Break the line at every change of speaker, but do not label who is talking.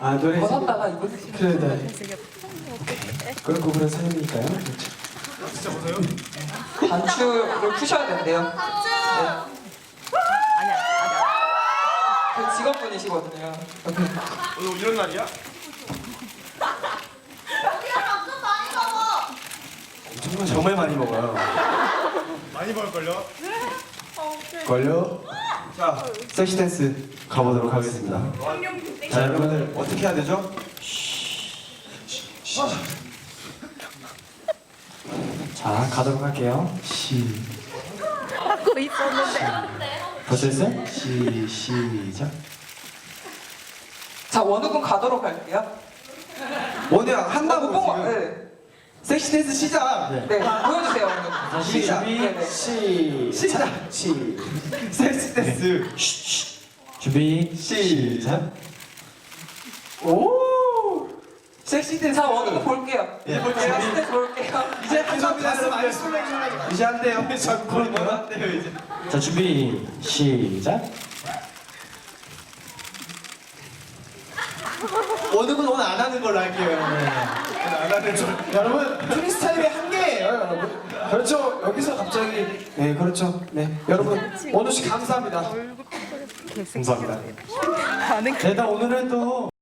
아 노래
벗었다가 입을 수 있어요.
그래 네. 그런 구분은 사연이니까요. 그렇죠.
진짜 보세요.
단추를 푸셔야 된대요. 네.
아니야.
그 직원분이시거든요.
오늘 이런 날이야?
정말 많이 먹어요.
많이 먹을걸요?
걸려. 자, 섹시 댄스 가보도록 하겠습니다. 자, 여러분들 어떻게 해야 되죠? 자, 가도록 할게요.
하고 있었는데.
벌써 했어요? 시작.
자, 원우군 가도록 할게요.
원우야 한다고
뽕,
지금.
네.
섹시 댄스 시작.
네, 보여주세요, 원우군.
시작.
네네.
시작. 섹시 댄스. 준비. 시작. 오. 섹시 댄스.
자, 원우군 볼게요.
예, 볼게요.
섹시 볼게요.
이제 한번 많이 술래기만 이제 안 돼요. 그런 안 돼요 이제. 자 준비 시작. 원우군 오늘 안 하는 걸로 할게요 여러분. 오늘 안 하는 걸. 여러분 프리스타일의 한계예요 여러분. 그렇죠. 여기서 갑자기 네 그렇죠. 네 여러분 원우 씨 감사합니다. 감사합니다.
가는
네, 나 오늘은 또